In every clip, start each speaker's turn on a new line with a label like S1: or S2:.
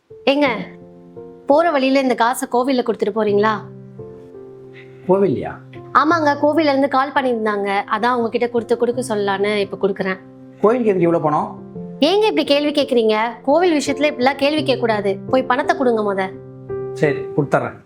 S1: ஏங்க, போற வழியில இந்த காசை கோவில்ல கொடுத்துட்டு போறீங்களா?
S2: கோவில்லையா?
S1: ஆமாங்க, கோவில்ல இருந்து கால் பண்ணியிருந்தாங்க. அதான் உங்ககிட்ட கொடுக்க சொல்லலான்னு இப்ப கொடுக்குறேன்.
S2: கோயிலுக்கு எதுக்கு இவ்வளோ பணம்?
S1: ஏங்க இப்படி கேள்வி கேட்குறீங்க? கோவில் விஷயத்துல இப்படிலாம் கேள்வி கேட்க கூடாது. போய் பணத்தை கொடுங்க முத.
S2: சரி, கொடுத்துட்றேன்.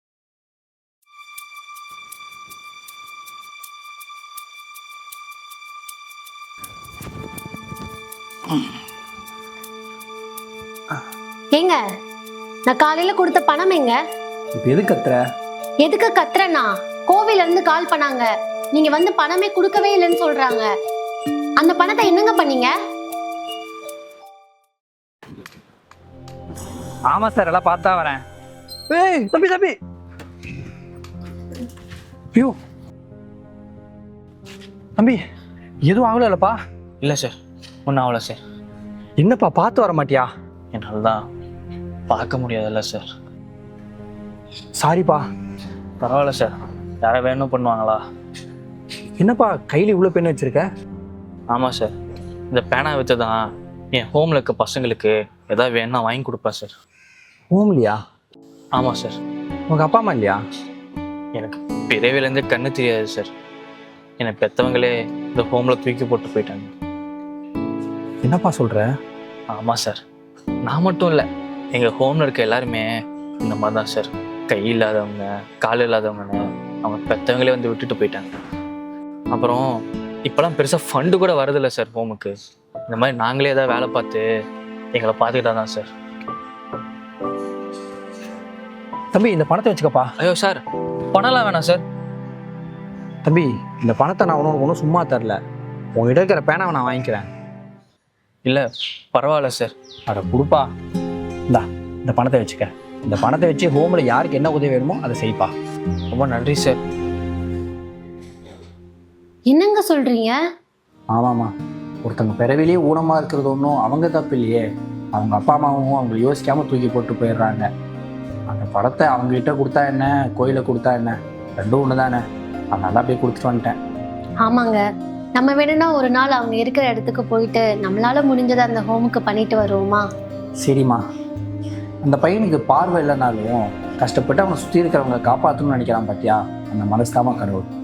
S1: ஏங்க, நான் காலையில கொடுத்த பணம் எங்க?
S2: இப்போ எது கத்துற?
S1: எதுக்கு கத்துறேன்னா, கோவில்ல இருந்து கால் பண்ணாங்க. நீங்க வந்து பணமே கொடுக்கவே இல்லைன்னு சொல்றாங்க. அந்த பணத்தை என்னங்க பண்ணீங்க?
S3: ஆமா சார், எல்லாம் பார்த்தா வரேன்.
S2: ஏய் தம்பி தம்பி, ஐயோ தம்பி, எதுவும் ஆகலப்பா?
S3: இல்லை சார், ஒன்றும் ஆகல சார்.
S2: என்னப்பா, பார்த்து வர மாட்டியா?
S3: என்னால் தான் பார்க்க முடியாதுல்ல சார்.
S2: சாரிப்பா.
S3: பரவாயில்ல சார், யாரை வேணும் பண்ணுவாங்களா?
S2: என்னப்பா கையில் இவ்வளோ பெண் வச்சிருக்க?
S3: ஆமாம் சார், இந்த பேனா வச்சு தான் என் ஹோமில் இருக்க பசங்களுக்கு எதாவது வேணும்னா வாங்கி கொடுப்பேன் சார்.
S2: ஹோம்லையா?
S3: ஆமாம் சார்.
S2: உங்கள் அப்பா அம்மா இல்லையா?
S3: எனக்கு பிறவிலேருந்தே கண்ணு தெரியாது சார். என்னை பெற்றவங்களே இந்த ஹோமில் தூக்கி போட்டு போயிட்டாங்க.
S2: என்னப்பா சொல்கிற?
S3: ஆமாம் சார், நான் மட்டும் இல்லை, எங்கள் ஹோமில் இருக்க எல்லாருமே இந்த மாதிரி தான் சார். கை இல்லாதவங்க, கால் இல்லாதவங்கன்னு அவங்க பெற்றவங்களே வந்து விட்டுட்டு போயிட்டாங்க. அப்புறம் இப்போலாம் பெருசாக ஃபண்டு கூட வரதில்லை சார் ஹோமுக்கு. இந்த மாதிரி நாங்களே ஏதாவது வேலை பார்த்து எங்களை பார்த்துக்கிட்டா தான் சார்.
S2: தம்பி, இந்த பணத்தை வச்சுக்கப்பா.
S3: ஐயோ சார், பணம்லாம் வேணாம் சார்.
S2: தம்பி, இந்த பணத்தை நான் ஒன்றும் சும்மா தரல. உங்ககிட்ட இருக்கிற பேனாவை நான் வாங்கிக்கிறேன்.
S3: இல்லை பரவாயில்ல சார்.
S2: அட கொடுப்பா. இந்த பணத்தை வச்சுக்க. இந்த பணத்தை வச்சு ஹோமில் யாருக்கு என்ன உதவி வேணுமோ அதை செய்ப்பா.
S3: ரொம்ப நன்றி சார்.
S1: என்னங்க சொல்றீங்க?
S2: ஆமாம்மா, ஒருத்தங்க பிறவிலேயே ஊனமாக இருக்கிறது ஒன்றும் அவங்க தப்பு இல்லையே. அவங்க அப்பா அம்மாவும் அவங்களை யோசிக்காமல் தூக்கி போட்டு போயிடுறாங்க. அந்த படத்தை அவங்ககிட்ட கொடுத்தா என்ன, கோயிலில் கொடுத்தா என்ன, ரெண்டும் ஒன்று தானே. அதனால போய் கொடுத்துட்டு வந்துட்டேன்.
S1: ஆமாங்க, நம்ம வேணும்னா ஒரு நாள் அவங்க இருக்கிற இடத்துக்கு போயிட்டு நம்மளால முடிஞ்சதை அந்த ஹோமுக்கு பண்ணிட்டு வருவோமா?
S2: சரிம்மா. அந்த பையனுக்கு பார்வை இல்லைனாலும் கஷ்டப்பட்டு அவனை சுற்றி இருக்கிறவங்க காப்பாற்றணும்னு நினைக்கிறான் பார்த்தியா? அந்த மனசு தாமா கடவுள்.